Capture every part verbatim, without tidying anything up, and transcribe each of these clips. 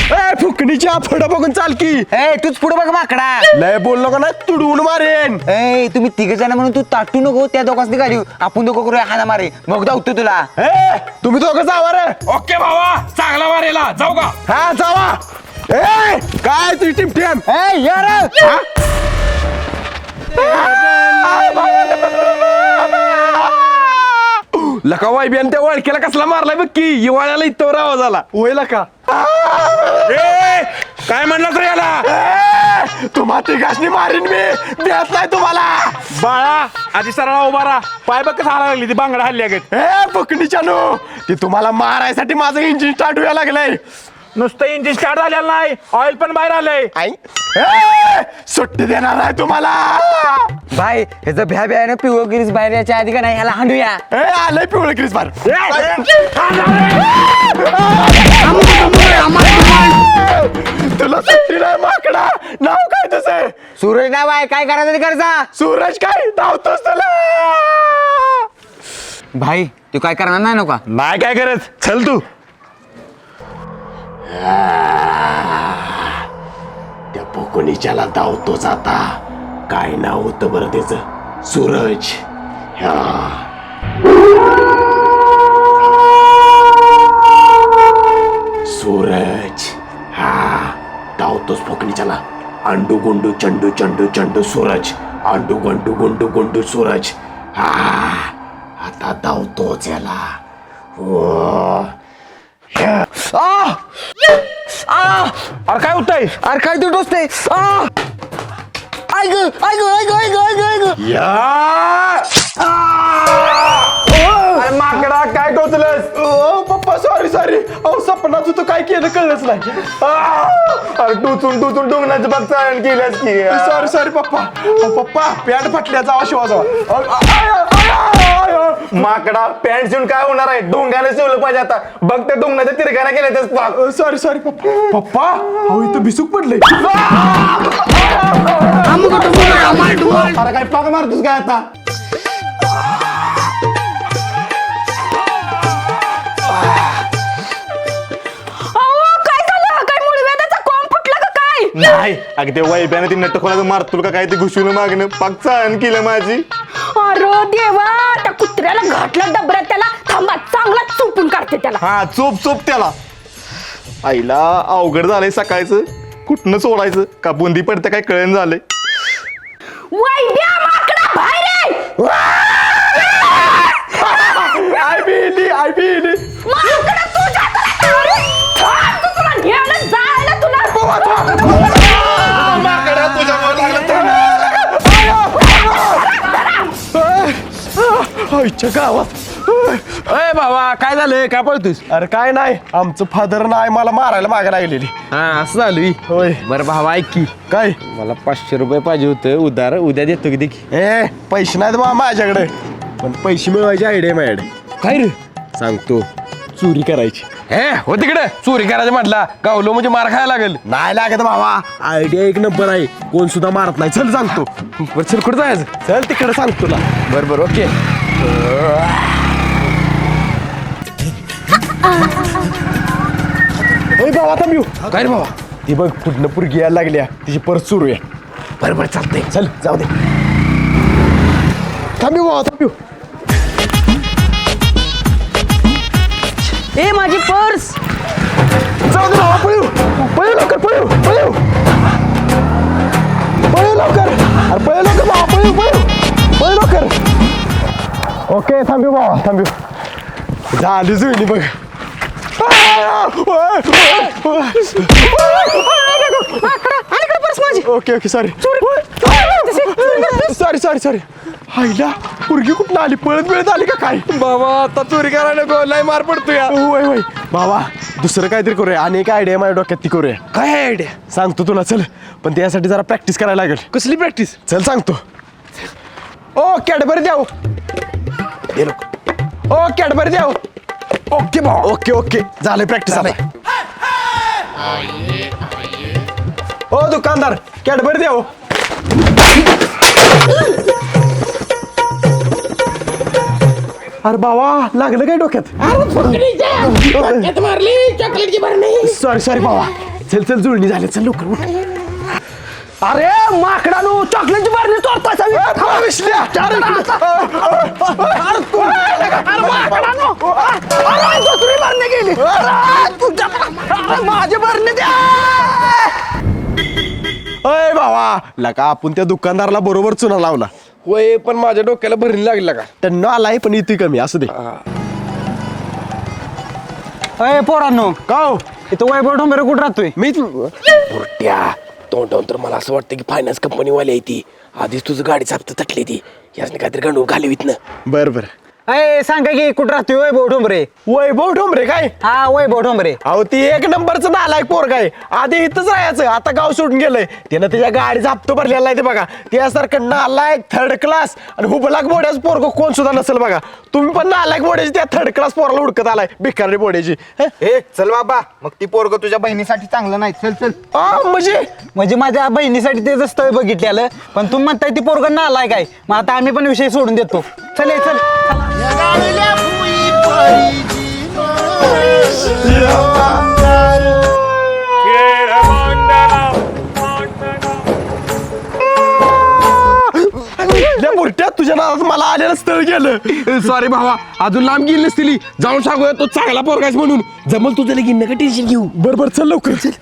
ए फुकणीच्या पुढं बघून चाल की. ए तूच पुढे बघ माकडा. लय बोललो का नाही तुडवून मारेन. ए तुम्ही तिघ जण म्हणून तू ताटू नको त्या दोघांनी गाडी आपण दोघं करूया हाना मारे मग धावतो तुला. ए तुम्ही दोघं जावा रे. ओके भावा चांगला मारेला जाऊ का. हा जावा. ए काय तुझी टीम टीम. ए यार लका वाय बियान त्या वळखेला कसला मारलाय बघ की हिवाळ्याला इथं आवाज आला. होईल का ए काय म्हणलं तर याला. तुम्हा तिघांनी मारीन मी देत नाही तुम्हाला. बाळा आधी सरळा उभा राहा पाय बघ कसं हाला लागली ती बांगडा हल्ली अगत. ए फुकणीच्या नो ती तुम्हाला मारायसाठी माझं इंजिन स्टार्ट व्हायला लागलंय. नुसतं इंजिन स्टार्ट झालेलं नाही ऑइल पण बाहेर आलंय. आई ए, सुट्टी देणार नाही तुम्हाला. भाई ह्याचं भ्या भ्यानं पिवळ गिरीस बाहेर याच्या आधी का नाही ह्याला हांडूया. ए आलंय पिवळं क्रिस बार. तुला सुट्टी नाही माकडा. नाव काय तुझं. सूरज नाव आहे काय करायचं ते करजा. सूरज काय धावतोस तुला. भाई तू काय करणार नाही नका. नाही काय करत चल तू. त्या पोकोनीच्याला धावतोच आता. काय नाव होतं बरं त्याचं. सूरज. ह्या सूरज. हा धावतोच फोकणीच्याला. अंडू गुंडू चंडू चंडू चंडू सूरज. अंडू गुंडू गुंडू गुंडू सूरज. हा आता धावतोच याला. ओ ह्या. आ! आ! अरे काय होतंय. अरे काय तू टोचते. ऐक ऐक ऐक ऐक ऐक ऐक या! अरे माकडा काय टोचलंस. ओ पप्पा सॉरी सॉरी. अहो सपनात होतं काय केलं कळलंच नाही. अरे टोचून टोचून डोंगराचं बघ चाळण केल्यास की. सॉरी सॉरी पप्पा. अहो, पप्पा पॅन्ट फाटल्या जावा शिवा जावा. माकडा पॅन्ट शिवून काय होणार आहे डोंग्याला शिवलं पाहिजे आता बघ त्या डोंगराच्या तिरकाना केल्या. सॉरी सॉरी पप्पा. पप्पा अहो इथं भिसूक पडलंय. अरे काय पाक मारतोस काय आता. नाही अगदी वैब्याने ती नट्ट खोला मारतो का काय ते घुसून मागणं पाक चाळण केलं माझी. अरे देवा त्या कुत्र्याला घातला डबऱ्यात त्याला थांबा चांगला चुपून काढते त्याला. हा चोप चोप त्याला. आईला अवघड झालंय सकाळचं कुठनं सोडायचं का बुंदी पडते काय कळण झालंय. वैद्या माकडा बाहेर ये. आय बी आय बी माकडा तुझ्या अरे थांब तू तुला न्यायला जायला तुला. आईच्या गावात. अय बाबा काय झालं काय पळतोस. अरे काय नाही आमचं फादर नाही मला मारायला मागे लागलेली. हा असं झालं होय. बरं भावा ऐक की काय मला पाचशे रुपये पाहिजे होतं उधार उद्या देतो की देखी. ए पैसे नाहीत बा माझ्याकडे पण पैसे मिळवायची आयडिया माझ्याकडे. काय रे सांगतो चोरी करायची. हे हो तिकडे चोरी करायचं म्हटला गावलो म्हणजे मार खायला लागेल. नाही लागत बाबा आयडिया एक नंबर आहे कोण सुद्धा मारत नाही. चल सांगतो. बरं चल कुठं जायचं. चल तिकडे सांगतो तुला. बरं बरं ओके. ओय बाबा थांब येऊ. काय रे बाबा. ती बघ पुढनं पुरगी यायला लागल्या तिची परत सुरू आहे. बरं बरं चालतंय. चल जाऊ दे. थांब येऊ बाबा थांब येऊ. ए माझी पर्स. जाऊ दे बाबा पळू पळू लवकर पळू पळू पळू लवकर. अरे पळू लवकर बाबा पळू पळू पळू लवकर. ओके थांबू बाबा थांबू. झाली जुळली बघ. Okay okay sorry sorry sorry sorry. आईला पुरगी कुठं आली पळत वेळत आली का काय. बाबा आता चोरी करायला नको लय मार पडतो या. होय होय बाबा दुसरं काहीतरी करूया आणि एक आयडिया माझ्या डोक्यात ती करूया. काय आयडिया. सांगतो तुला चल पण त्यासाठी जरा प्रॅक्टिस करायला लागेल. कसली प्रॅक्टिस. चल सांगतो. ओ कॅडबरी द्याव. ओ कॅडबरी द्याव. ओके भाऊ ओके ओके झाले प्रॅक्टिस आता. ओ दुकानदार कॅडबरी द्याव. अरे बाबा लागलं काय डोक्यात. मारली चॉकलेटची भरणी. सॉरी सॉरी बाबा चल चल जुळणी झाली चल लवकर उठ. अरे माकडानो चॉकलेटची बारणी तोडताय विसल्या अरे दुसरी बारणी गेली अरे, तुझ्या अरे, माझी बारणी द्या. अय भावा लका आपण त्या दुकानदाराला बरोबर चुना लावला. वय पण माझ्या डोक्याला भरणी लागली का त्यांना आलाय पण इथे कमी असू दे. अय पोरांनो का हो? इथं वैभव ठोंबरे कुठं राहतोय? मी बुरट्या तोंडावून तर मला असं वाटतं की फायनान्स कंपनीवाली आहे ती आधीच तुझं गाडी चापत तटली ती यासने काहीतरी गंडून घालवीत ना. बर बर अय सांगा की कुठं राहतोय वैभव ठोंबरे? वैभव ठोंबरे काय हा वैभव ठोंबरे. अहो ती एक नंबरचं नालायक पोरग आहे. आधी इथंच राहायचं आता गाव सोडून गेलंय. त्यानं त्याच्या गाडीचा हप्ता भरलेला आहे ते बघा. त्यासारखं नालायक थर्ड क्लास आणि हुबलाक बोड्याचं पोरग कोण सुद्धा नसेल बघा. तुम्ही पण नालायक बोड्याची त्या थर्ड क्लास पोराला हुडकत आलाय भिकारी बोड्याची. हं? ए चल बाबा मग ती पोरग तुझ्या बहिणीसाठी चांगलं नाही. चल चल. आ, म्हणजे म्हणजे माझ्या बहिणीसाठी त्याचं स्थळ बघितलेलं पण तुम्ही म्हणताय ती पोरग नालायक आहे. मग आता आम्ही पण विषय सोडून देतो. चल ये, चल. बुरट्या तुझ्या नावात मला आलेलं स्थळ गेलं. सॉरी भावा अजून लांब गेली नसतील जाऊन सांगूया तो चांगला पोरगाच म्हणून जमल तुझं लगीन नका टेन्शन घेऊ. बर बर चल लवकर चल.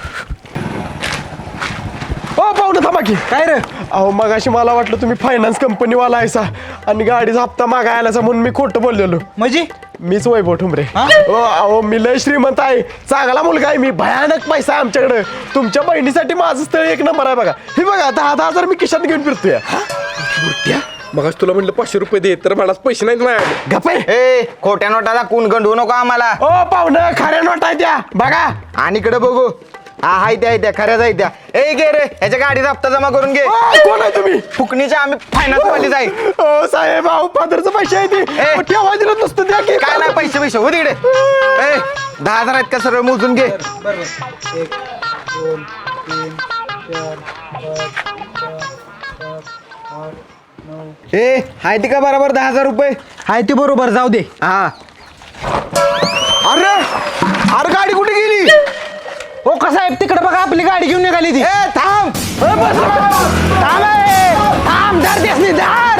हो पाहुणं थांबा की. काय रे? अहो मगाशी मला वाटलं तुम्ही फायनान्स कंपनीवाला आहेसा आणि गाडीचा हप्ता मागाय आलासा म्हणून मी खोटं बोललेलो. म्हणजे मीच वैभव ठुमरे. हो अहो मी लय श्रीमंत आहे चांगला मुलगा आहे मी भयानक पैसा आहे आमच्याकडे. तुमच्या बहिणीसाठी माझं स्थळ एक नंबर आहे बघा. हे बघा दहा दहा हजार मी खिशात घेऊन फिरतोय. बुरट्या मग तुला म्हणलं पाचशे रुपये दे तर मला पैसे नाहीत माझ्याकडे. गप्पे ए खोट्या नोटाला कोण गंडवू नको आम्हाला. ओ पाहुणं खऱ्या नोट आहे त्या बघा. आणि इकडे बघू. हा हाय त्या त्या खऱ्याच आहे त्या. ए गे रे ह्याच्या गाडीचा हप्ता जमा करून घे. ओ, कोण आहे तुम्ही? फुकणीच्या आम्ही फायनान्स वालीच आहे. ओ साहेब अहो पदरचं पैसे आहे ते ए. ठेवा दिलं नुसतं द्या की. काय नाही पैसे पैसे हो तिकडे. ए दहा हजार आहेत का सर्व मोजून घे. ए हाय ती का बरोबर दहा हजार रुपये हाय ती बरोबर जाऊ दे. हा अरे अरे गाडी कुठे गेली? हो कसा आहे तिकडे बघा आपली गाडी घेऊन निघाली ती. ए थांब ए, बस, थांब ए. थांब धर देस नाही धर.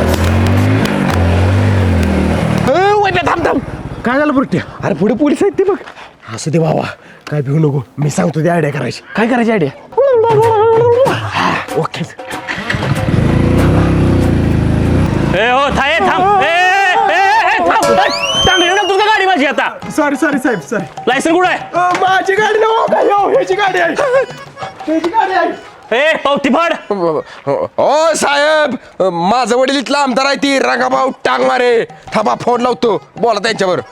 ए, वैभ्या, थांब थांब. काय झालं बुरट्या? अरे पुढे पोलीस आहेत ते बघ. असं दे बाबा काय भिवू नको मी सांगतो ती आयडिया करायची. काय करायची आयडिया? ओके ए हो थांब थांब ए ए, ए, थांब चांगली ना तुझं गाडी माझी आता. सॉरी सॉरी साहेब सॉरी. लायसन कुठं आहे? माझी गाडी नव्ह काय हो ह्याची गाडी आहे ह्याची गाडी आहे. ए पावती फाड. ओ साहेब माझं वडील इथला आमदार आहे ती रंगाभाऊ टांग मारे. थांबा फोन लावतो बोला त्यांच्यावर.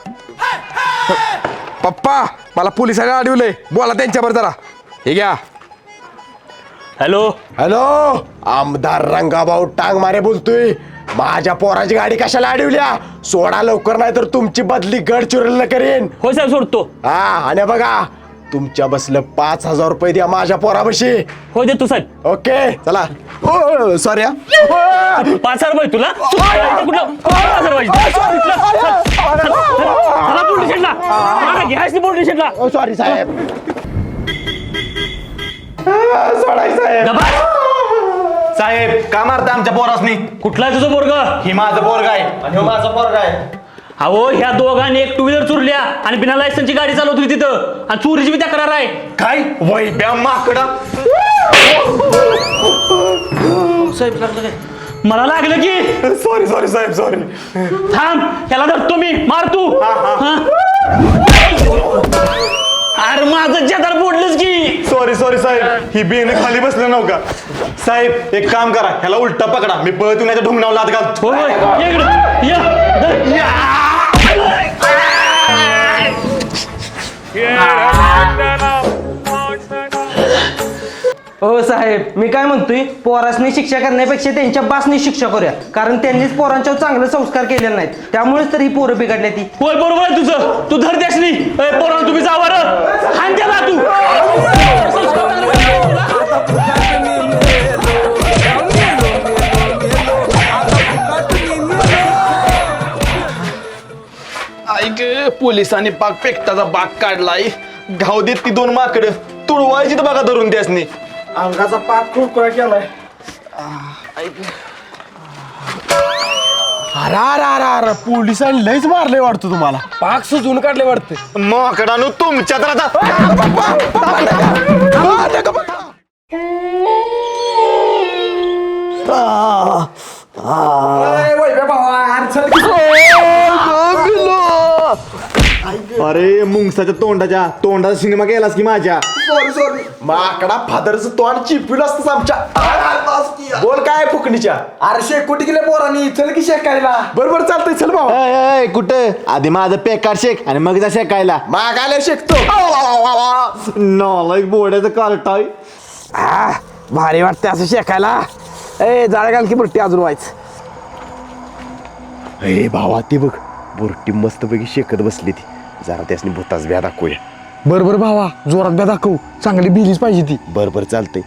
पप्पा मला पोलिसांनी अडवलंय बोला त्यांच्यावर जरा. हे घ्या. हॅलो हॅलो आमदार रंगाभाऊ टांग मारे बोलतोय. माझ्या पोराची गाडी कशाला अडवल्या? सोडा लवकर नाही तर तुमची बदली गडचिरोलीला करेन. हो साहेब सोडतो. हा आणि बघा तुमच्या बसलं पाच हजार रुपये द्या माझ्या पोराबशी. हो देतो साहेब. ओके चला. ओ सॉरी पाच हजार रुपये तुला कुठलं पाच हजार पाहिजे. चला पोलीस स्टेशनला घ्यायची पोलीस स्टेशनला. सॉरी साहेब. सोडाय साहेब. दबा. साहेब का मारता आमच्या पोरासनी? कुठला आहे तुझं पोरग? ही माझं पोरग आहे आणि हो माझं पोरग आहे. अहो ह्या दोघांनी एक टू व्हीलर चोरल्या आणि बिना लायसनची गाडी चालवत होती तिथं आणि चोरीची बी तक्रार आहे. काय वैब्या माकडा. मला लागलं की सॉरी सॉरी साहेब सॉरी. थांब त्याला धरतो मी मार तू. हा? अरे माझं जदार फोडलंच की. सॉरी सॉरी साहेब ही बेन खाली बसलं नव्हता. साहेब एक काम करा ह्याला उलटा पकडा मी पळत येऊन याच्या ढुंगणावर लात घालतो. हो होय. ये इकडं. ये. धर. हो साहेब मी काय म्हणतोय पोरासनी शिक्षा करण्यापेक्षा त्यांच्या बासनी शिक्षा करूया कारण त्यांनीच पोरांच्यावर चांगले संस्कार केलेले नाहीत त्यामुळेच तर ही पोरं बिघडल्या ती. होय बरोबर आहे तुझं. तू धर त्यासनी. ए पोरांनो तुम्ही जावा रे. हाण त्याला तू. ऐक पोलिसांनी पाक पेकटाचा बाग काढलाय. घाव देत ती दोन माकडं. तुडवायची तर बघा धरून त्यासनी. अंगाचा पाक कुरकुरा केलाय. अरे अरे अरे अरे पोलिसांनी लयच मारले वाटतं तुम्हाला. पाक सुजून काढले वाटतं. माकडानू तुमच्या तर आता अरे मुंगसाच्या तोंडाच्या तोंडाचा सिनेमा केलास की माझ्या. सॉरी सॉरी माकडा फादरचं तोंड चिपील असतंच आमच्या. बोल काय फुकणीच्या. अरे शेकोटी गेले पोरांनी चल की शेकायला. बरोबर चालतंय चल भाऊ. अय, अय, कुठं आधी माझं पेकार शेक आणि मग जा शेकायला. मागायला शिकतो. नालायक बोड्याचं कार्टाय. भारी वाटते असं शेकायला. ए जाळ घाल की बुरटी अजून व्हायच. ए भावा ते बघ बुरटी मस्त पैकी शेकत बसली ती. जरा त्यासनी भूताच ब्या दाखवूया. बर बर भावा जोरात ब्या दाखव चांगली भिलीच पाहिजे ती. बर बर चालतंय.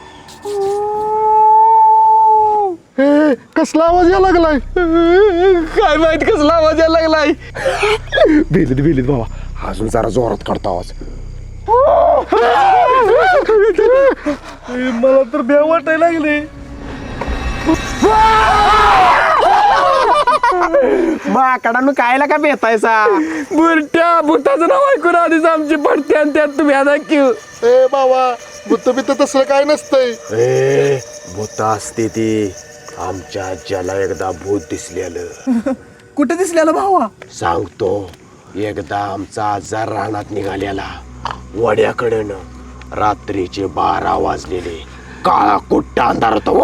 कसला आवाज यायला लागलाय. काय माहित कसला आवाज यायला लागलाय. भिलीत भिलीत भावा अजून जरा जोरात काढतो आवाज. मला तर भ्या वाटायला लागले. माकडानं कायला का बेतायचा. बुरट्या भूताचं नाव ऐकून आधीच आमची पडते आणि त्यात तुम्ही आता क्यू. ए बाबा भूत बित तसलं काय नसतंय. ए भूत असते ती. आमच्या आज्याला एकदा भूत दिसलेलं. कुठे दिसलेला भावा. सांगतो. एकदा आमचा आजार रानात निघालेला वड्याकडनं. रात्रीचे बारा वाजलेले. काळा कुट्टा अंधार होता.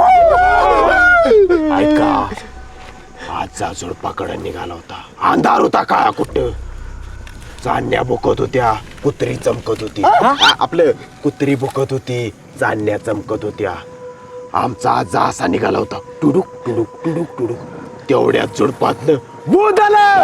ऐका आजचा झुडपाकडे निघाला होता. अंधार होता काळा कुट्ट. चांदण्या बुकत होत्या कुत्री चमकत होती. आ- आपलं कुत्री बुकत होती चांदण्या चमकत होत्या. आमचा आजा असा निघाला होता. टुडुक टुडुक टुडुक टुडुक. तेवढ्याच झुडपातनं भूत आलं.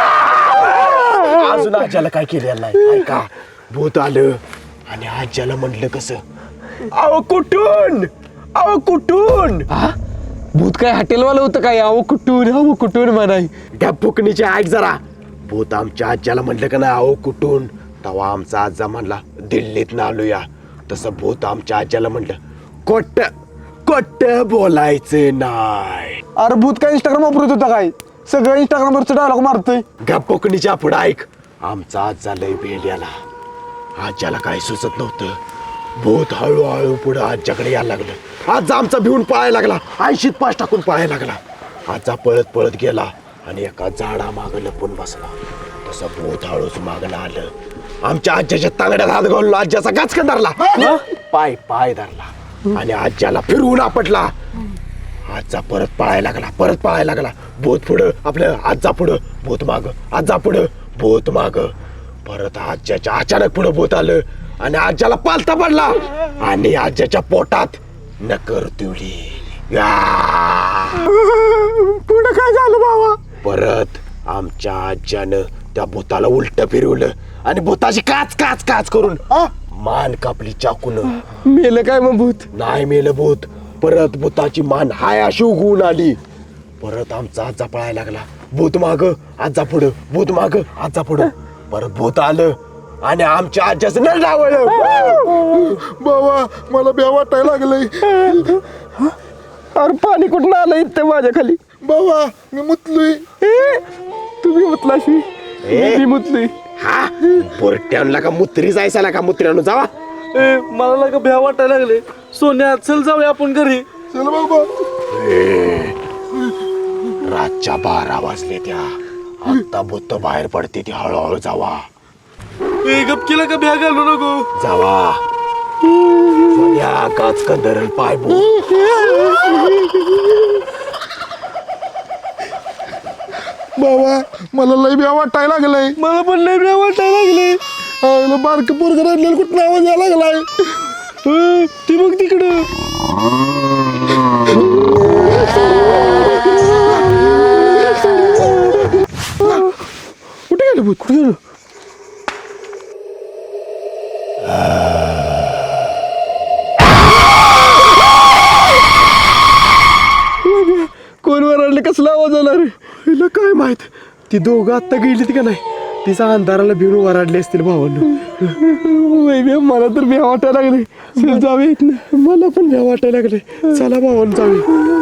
अजून आज्याला काय केलेलं नाही. ऐका भूत आलं आणि आज्याला म्हटलं कसं. अहो कुठून अहो कुठून. भूत काय हॉटेलवालं होतं काय? अहो कुठून अहो कुठून म्हणाय. त्या फुकणीचे ऐक जरा. भूत आमच्या आज्याला म्हटलं का नाही अहो कुठून. तेव्हा आमचा आजा म्हणला दिल्लीत आलोया. तसं भूत आमच्या आज्याला म्हटलं कोट कोट बोलायचं नाही. अरे भूत काय इंस्टाग्राम वापरत होता काय. सगळं इंस्टाग्रामवरचं डायलॉग मारतोय. गा फुकणीच्या पुढं ऐक. आमचा आजा लय बेल्याला. आज्याला काही सुचत नव्हतं. भूत हळूहळू पुढं आज्याकडे यायला लागलं. आजा आमचा भिवून पळायला लागला. ऐंशीत पाच टाकून पळायला लागला. आजा पळत पळत गेला आणि एका झाडा मागं लपून बसला. तसं भूत हळूच मागणं आलं. आमच्या आज्याच्या तांगड्यात हात घालून आज्याचा गाचकन धरला. पाय पाय धरला आणि आज्याला फिरवून आपटला. आजा परत पळायला लागला परत पळायला लागला. भूत पुढं आपलं आजा पुढं भूत माग. आजा पुढं भूत माग. परत आज्याच्या अचानक पुढं भूत आलं आणि आज्याला पालथा पडला आणि आज्याच्या पोटात नकर तुळी. पुढे काय झालं भावा. परत आमच्या आज्यानं त्या भूताला उलट फिरवलं आणि भूताची काच काच काच करून मान कापली चाकून. मेलं काय मग भूत. नाही मेलं भूत. परत भूताची मान हाय अशी उगवून आली. परत आमचा आजा पळायला लागला. भूत माग आजा पुढं भूत माग आजा पुढं. परत भूत आलं आणि आमच्या आज्याचं नळ डावळलं. बाबा मला भ्या वाटायला लागलंय. अरे पाणी कुठं आलं इथं माझ्या खाली. बाबा मी मुतलोय. तुम्ही मुतलाशी ए. मी मुतली. हा पोरट्यानला का मुत्री जायचा का मुत्र्यानं जावा. मला लागा भ्या वाटायला लागले. सोन्या चल जाऊया आपण घरी. चल बाबा. रातच्या बारा वाजले त्या. आता भूत बाहेर पडते ती हळूहळू जावा. गपकीला का भ्या घालू नको. जावा. सोन्या काच कंदरल पाय बो. बाबा मला लय भ्या वाटायला लागलंय. मला पण लय भ्या वाटायला लागले. बारक पोरग रडलेलं कुठं आवाज यायला लागलाय. ती बघ तिकडं. कुठे गेलं भूत कुठे गेलं. कोण वरडले कसला आवाज आला रे. हिला काय माहित. ती दोघं आत्ता गेलीत का नाही. तिचा अंधाराला भिवून वराडले असतील भावांना. वैभ्या मला तर भ्या वाटायला लागले चल जावे इथनं मला पण भ्या वाटायला लागले चला भावानं जावे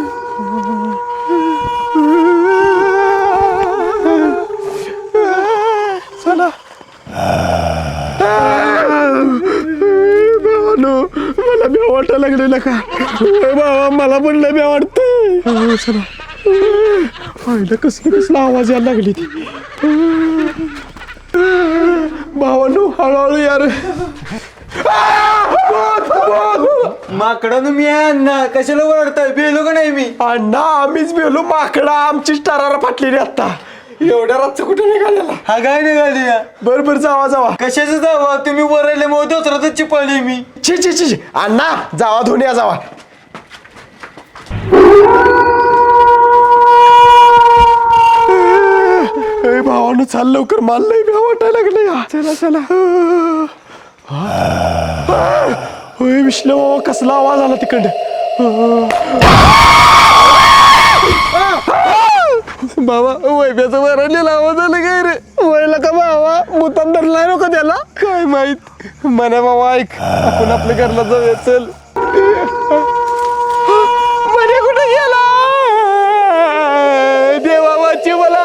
चला भावानो मला भ्या वाटायला लागलेला का होय बाबा मला पण लय भ्या वाटतंय चला पाहिलं कसलं कसला आवाज यायला लागली ती भावानो हळूहळू यार माकडं मी अण्णा कशाला ओरडताय बेलो का नाही मी अण्णा आम्हीच बेलो माकडा आमचीच टरारा फाटलेली आता एवढ्या रातचं कुठे निघालेला हा काय निघाली या बर बर जावा जावा कशाचं जावा तुम्ही वरले मग दुसराच चिपळली मी ची ची ची अण्णा जावा धुवून या जावा ए भावानं चाल लवकर माल लय भ्या वाटायला लागलं या चला चला होय विश्लो कसला आवाज आला तिकडं बाबा वैभ्याचं वरडलेला आवाज आला काय रे वयला का बाबा मुतान धरलाय नको त्याला काय माहित मना बाबा ऐक आपण आपल्या घरला जाऊया चल मने कुठे गेला देवा वाची मला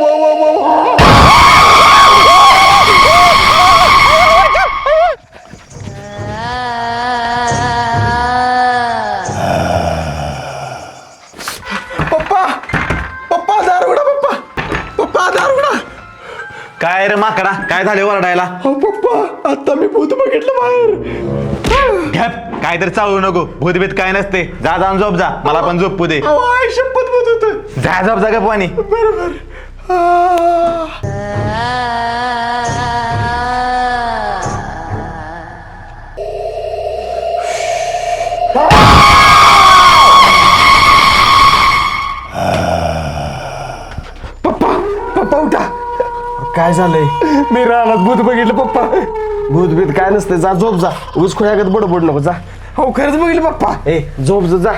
पप्पा पप्पा दारुडा पप्पा पप्पा दारुडा काय रे माकडा काय झाले वरडायला हो पप्पा आता मी भूत बघितलं बाहेर घ्याप काय तर चालू नको भूतभीत काय नसते जा जाऊन झोप जा मला पण झोपू दे अहो, आई शपथ भूत होतं जा झोप जा का पाणी बरोबर पप्पा पप्पा उठा काय झालंय मी रानात भूत बघितलं पप्पा भूत बीत काय नसते जा झोप जा ऊस खोयागत बडबड नको जा हो खरंच बघितलं पप्पा ए झोप जा जा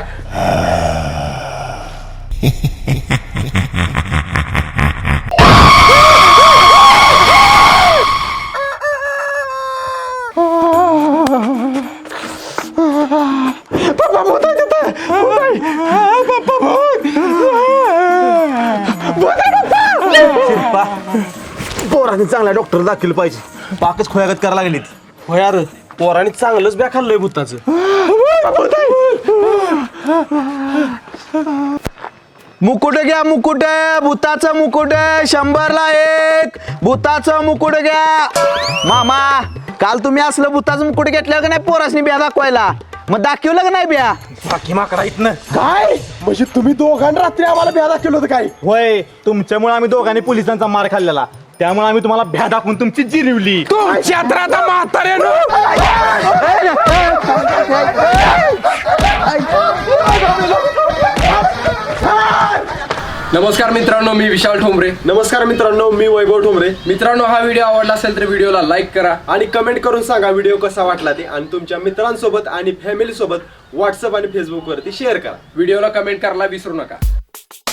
पप्पा भूत आहे तिथं भूत आहे पप्पा भूत भूत आहे पप्पा पोराने चांगला डॉक्टर दाखल पाहिजे पाकच खोयागत करायला लागलीत हो यार पोराने चांगलंच बॅ खाल्लंय भूताचं मुकुट घ्या मुकुट भूताचं मुकुट शंभरला एक भूताचं मुकुट घ्या मामा काल तुम्ही असलं भूताचं मुकुट घेतलं का नाही पोरासनी बिया दाखवायला मग दाखवलं का नाही बिया बाकी माकडा इथनं काय म्हणजे तुम्ही दोघांनी रात्री आम्हाला भ्या दाखवलं होतं काय होय तुमच्यामुळे आम्ही दोघांनी पोलिसांचा मार खाल्लेला त्यामुळे आम्ही तुम्हाला भ्या दाखवून तुमची जिरवली तुमच्या तर आता म्हाताऱ्यानं नमस्कार मित्रांनो मी विशाल ठोंबरे. नमस्कार मित्रांनो मी वैभव ठोंबरे. मित्रांनो हा व्हिडिओ आवडला असेल तर व्हिडिओला लाईक करा आणि कमेंट करून सांगा व्हिडिओ कसा वाटला ते आणि तुमच्या मित्रांसोबत आणि फॅमिली सोबत व्हॉट्सअप आणि फेसबुक वरती शेअर करा. व्हिडिओला कमेंट करायला विसरू नका.